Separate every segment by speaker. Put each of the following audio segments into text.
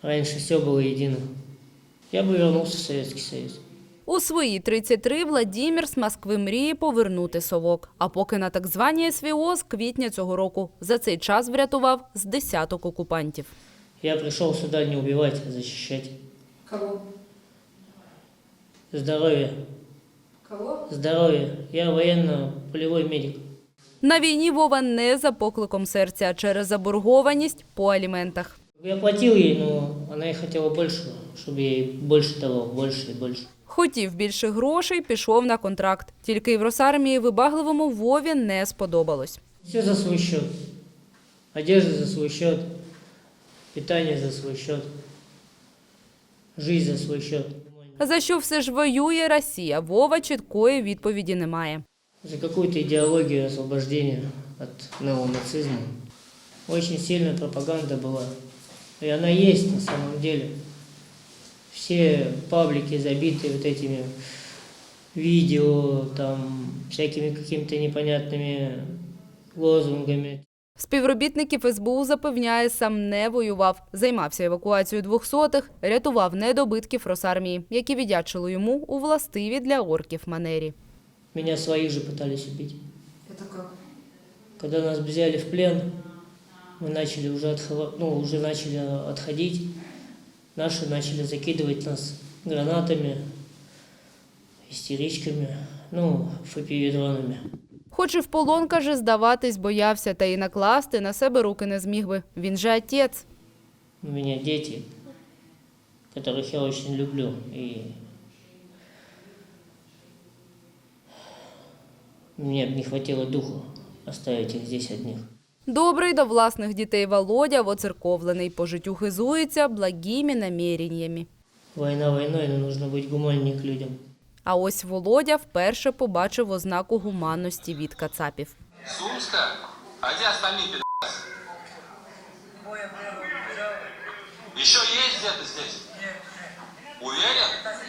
Speaker 1: Раньше все было едино. Я бы вернулся в Советский Союз.
Speaker 2: У свої 33 Владимир з Москви мріє повернути совок. А поки на так званій СВО з квітня цього року. За цей час врятував з десяток окупантів.
Speaker 1: Я пришел сюда не убивать, а защищать.
Speaker 3: Кого?
Speaker 1: Здоровье.
Speaker 3: Кого?
Speaker 1: Здоровье. Я военно-полевой медик.
Speaker 2: На війні Вова не за покликом серця, а через заборгованість по аліментах.
Speaker 1: Я платил ей, но она и хотела больше, чтобы я ей больше давал, больше и больше.
Speaker 2: Хотів більше грошей, пішов на контракт. Тільки Євросармії вибагливому Вові не сподобалось.
Speaker 1: Все за свой счет. Одежда за свой счет. Питание за свой счет. Жизнь за свой счет.
Speaker 2: За що все ж воює Росія, Вова чіткої відповіді немає.
Speaker 1: За какую-то идеологию освобождения от неонацизма. Очень сильная пропаганда была. И она есть на самом деле. Все паблики забиты вот этими видео, там, всякими какими-то непонятными лозунгами.
Speaker 2: Співробітників СБУ запевняє, сам не воював. Займався евакуацією двохсотих, рятував недобитків Росармії, які віддячили йому у властивій для орків манері.
Speaker 1: Меня своих же пытались убить.
Speaker 3: Это как?
Speaker 1: Когда нас взяли в плен, мы начали уже начали отходить. Наши начали закидывать нас гранатами, истеричками, FPV-дронами.
Speaker 2: Хоч і в полон, каже, здаватись боявся, та й накласти на себе руки не зміг би. Він же отець.
Speaker 1: У меня дети, которых я очень люблю, и мне не хватило духу оставить их здесь одних.
Speaker 2: Добрий до власних дітей Володя воцерковлений, по життю хизується благими наміреннями.
Speaker 1: Война войной, но нужно быть гуманнее к людям.
Speaker 2: А ось Володя вперше побачив ознаку гуманності від кацапів.
Speaker 4: Сумска? А где остальные пидорасы? Еще есть где-то здесь? Уверен?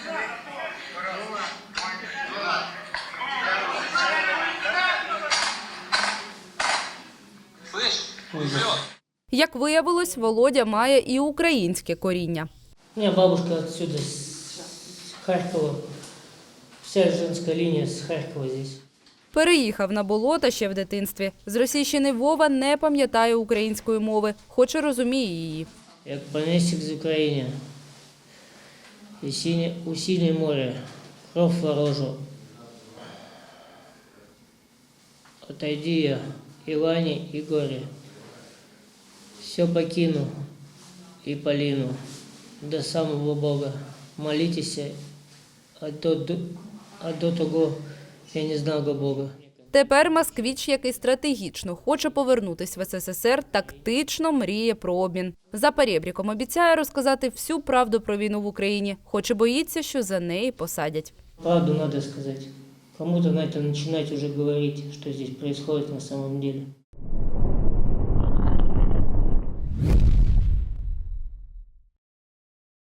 Speaker 4: Слышь, везет.
Speaker 2: Як виявилось, Володя має і українське коріння.
Speaker 1: У меня бабушка отсюда, с Харькова. Вся женская линия с Харькова здесь.
Speaker 2: Переїхав на болота ще в дитинстві. З Російщини Вова не пам'ятає української мови, хоч і розуміє її.
Speaker 1: Як поместик з України, у синє море, кров ворожу. Отойди я, Иване и горе, все покину и полину до самого Бога. Молитесь, а до того я не знав Бога.
Speaker 2: Тепер москвіч, який стратегічно хоче повернутися в СССР, тактично мріє про обмін. За перебріком обіцяє розказати всю правду про війну в Україні, хоч і боїться, що за неї посадять.
Speaker 1: Правду надо сказать. Кому-то надо начинать уже говорить, что здесь происходит на самом деле.